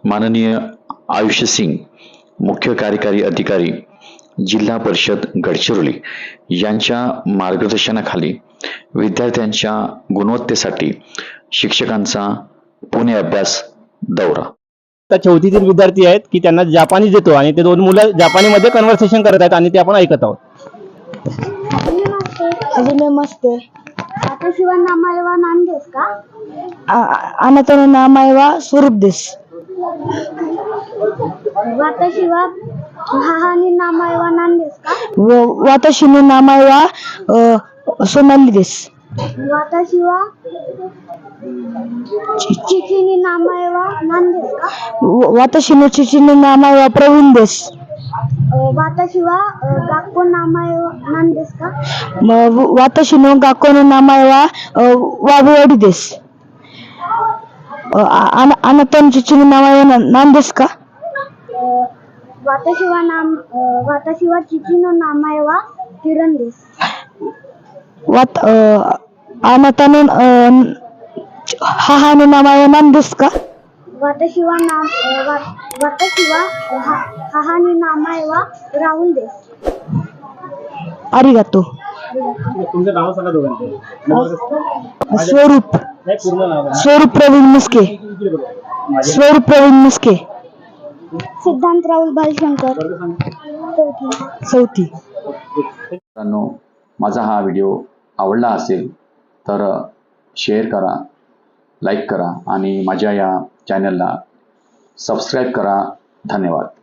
माननीय आयुष्य सिंग, मुख्य कार्यकारी अधिकारी, जिल्हा परिषद गडचिरोली यांच्या मार्गदर्शनाखाली विद्यार्थ्यांच्या गुणवत्तेसाठी शिक्षकांचा पुणे अभ्यास दौरा. चौथीतील विद्यार्थी आहेत की त्यांना जापानी देतो आणि ते दोन मुलं जापानीमध्ये कन्व्हर्सेशन करत आहेत आणि ते आपण ऐकत आहोत. हजमे मस्ते. वाताशिवा नामायवा नाम देस का? अनातनो नामायवा स्वरूप देस. वाताशिवा हाहानी नामायवा नाम देस का? वाताशिनो नामायवा सोनाली देस. वाताशिवा चिचिनी नामायवा नाम देस का? वाताशिनो चिचिनो नामायवा प्रवीण देस. वाताशिवा गाक्को नामायवा नाम देस का? वाताशिनो गाकोनो नामायवा वाबुवाडी देस. अनातनो चिचिनो नामायवा नाम देस का? वाताशिवा चिचिनो नामायवा किरण देस. अनातनो हाहानो नामायवा नाम देस का? वाताशिवा हाहानी नामायवा राहुल देस. आरिगातो. तुमचं नाव सांगा दोघांचं. स्वरूप प्रवीण मुस्के. स्वरूप प्रवीण मुस्के. सिद्धांत राहुल भालशंकर. चौथी. मित्रांनो, माझा हा व्हिडिओ आवडला असेल तर शेअर करा, लाईक करा आणि माझ्या या चॅनलला सबस्क्राईब करा. धन्यवाद.